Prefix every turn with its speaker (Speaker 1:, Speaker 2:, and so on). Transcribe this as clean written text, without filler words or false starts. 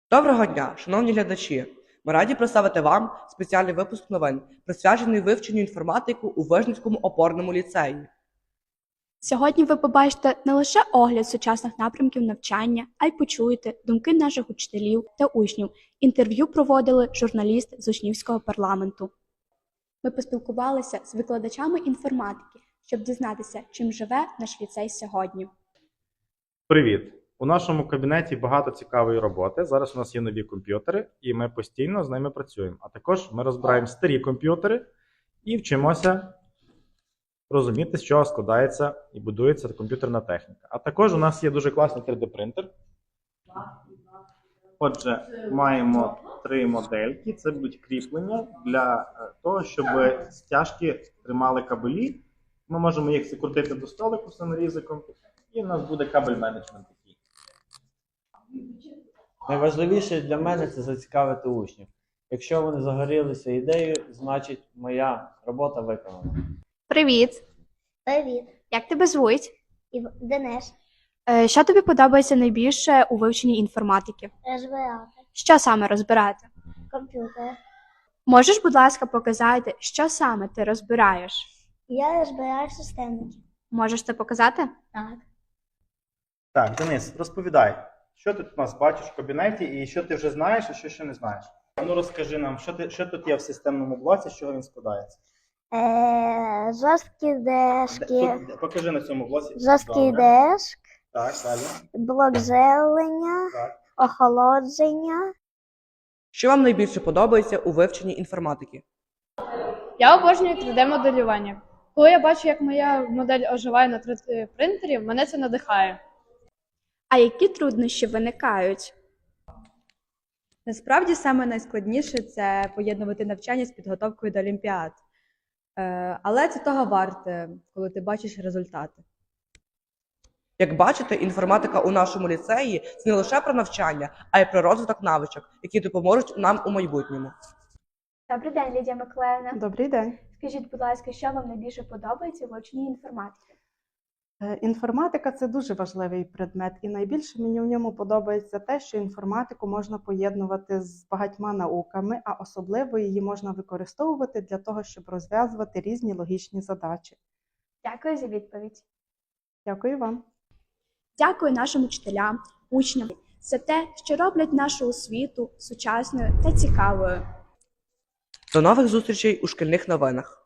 Speaker 1: Доброго дня, шановні глядачі! Ми раді представити вам спеціальний випуск новин, присвячений вивченню інформатики у Вижницькому опорному ліцеї.
Speaker 2: Сьогодні ви побачите не лише огляд сучасних напрямків навчання, а й почуєте думки наших учителів та учнів. Інтерв'ю проводили журналісти з учнівського парламенту. Ми поспілкувалися з викладачами інформатики, щоб дізнатися, чим живе наш ліцей сьогодні.
Speaker 3: Привіт! У нашому кабінеті багато цікавої роботи. Зараз у нас є нові комп'ютери, і ми постійно з ними працюємо. А також ми розбираємо старі комп'ютери і вчимося розуміти, з чого складається і будується комп'ютерна техніка. А також у нас є дуже класний 3D-принтер. Отже, маємо 3 модельки. Це будуть кріплення для того, щоб стяжки тримали кабелі. Ми можемо їх закрутити до столику саморізиком, і у нас буде кабель-менеджмент такий.
Speaker 4: Найважливіше для мене це зацікавити учнів. Якщо вони загорілися ідеєю, значить моя робота виконана.
Speaker 2: Привіт!
Speaker 5: Привіт,
Speaker 2: Як тебе звуть?
Speaker 5: Денис,
Speaker 2: Що тобі подобається найбільше у вивченні інформатики?
Speaker 5: розбирати
Speaker 2: Що саме розбирати?
Speaker 5: комп'ютер.
Speaker 2: Можеш, будь ласка, показати, що саме ти розбираєш?
Speaker 5: Я розбираю системники.
Speaker 2: Можеш це показати?
Speaker 5: Так.
Speaker 3: Так, Денис, розповідай, що ти у нас бачиш в кабінеті і що ти вже знаєш, а що ще не знаєш. Ну розкажи нам, що тут є в системному блоці, з чого він складається.
Speaker 5: Жорсткі дешки,
Speaker 3: Покажи на цьому блоці.
Speaker 5: жорсткий
Speaker 3: Добре.
Speaker 5: дешк,
Speaker 3: Так, далі.
Speaker 5: блок живлення,
Speaker 3: Так.
Speaker 5: охолодження.
Speaker 1: Що вам найбільше подобається у вивченні інформатики?
Speaker 6: Я обожнюю 3D-моделювання. Коли я бачу, як моя модель оживає на 3D-принтері, мене це надихає.
Speaker 2: А які труднощі виникають?
Speaker 7: Насправді саме найскладніше це поєднувати навчання з підготовкою до олімпіад. Але це того варте, коли ти бачиш результати.
Speaker 1: Як бачите, інформатика у нашому ліцеї – це не лише про навчання, а й про розвиток навичок, які допоможуть нам у майбутньому.
Speaker 2: Добрий день, Лідія Миколаївна.
Speaker 8: Добрий день.
Speaker 2: Скажіть, будь ласка, що вам найбільше подобається у вивченні інформатики?
Speaker 8: Інформатика – це дуже важливий предмет, і найбільше мені в ньому подобається те, що інформатику можна поєднувати з багатьма науками, а особливо її можна використовувати для того, щоб розв'язувати різні логічні задачі.
Speaker 2: Дякую за відповідь.
Speaker 8: Дякую вам.
Speaker 2: Дякую нашим учителям, учням за те, що роблять нашу освіту сучасною та цікавою.
Speaker 1: До нових зустрічей у шкільних новинах!